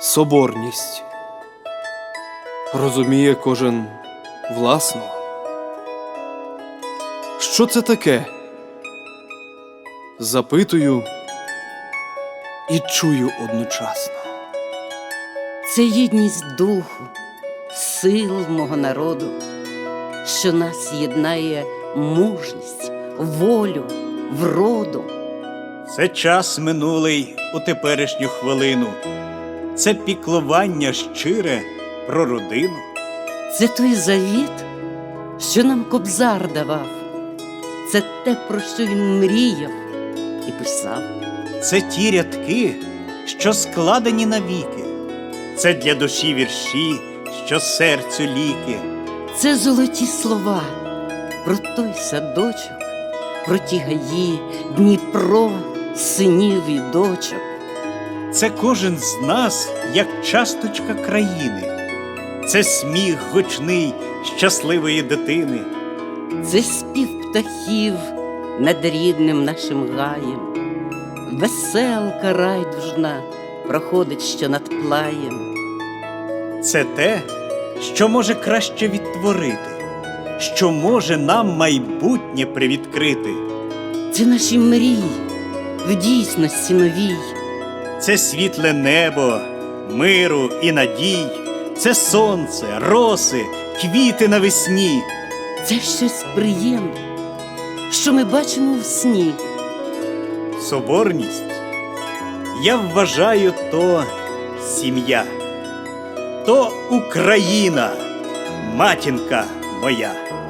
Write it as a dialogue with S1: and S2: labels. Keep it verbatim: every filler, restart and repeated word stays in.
S1: Соборність. Розуміє кожен власно. Що це таке? Запитую і чую одночасно.
S2: Це єдність духу, сил мого народу, що нас єднає мужність, волю, вроду.
S3: Це час минулий у теперішню хвилину. Це піклування щире про родину.
S2: Це той завіт, що нам Кобзар давав. Це те, про що він мріяв і писав.
S3: Це ті рядки, що складені навіки. Це для душі вірші, що серцю ліки.
S2: Це золоті слова про той садочок, про ті гаї, Дніпро, синів і дочок.
S3: Це кожен з нас, як часточка країни. Це сміх гучний щасливої дитини.
S2: Це спів птахів над рідним нашим гаєм. Веселка райдужна проходить що над плаєм.
S3: Це те, що може краще відтворити, що може нам майбутнє привідкрити.
S2: Це наші мрії в дійсності новій.
S3: Це світле небо, миру і надій. Це сонце, роси, квіти навесні.
S2: Це щось приємне, що ми бачимо в сні.
S3: Соборність, я вважаю, то сім'я, то Україна, матінка моя.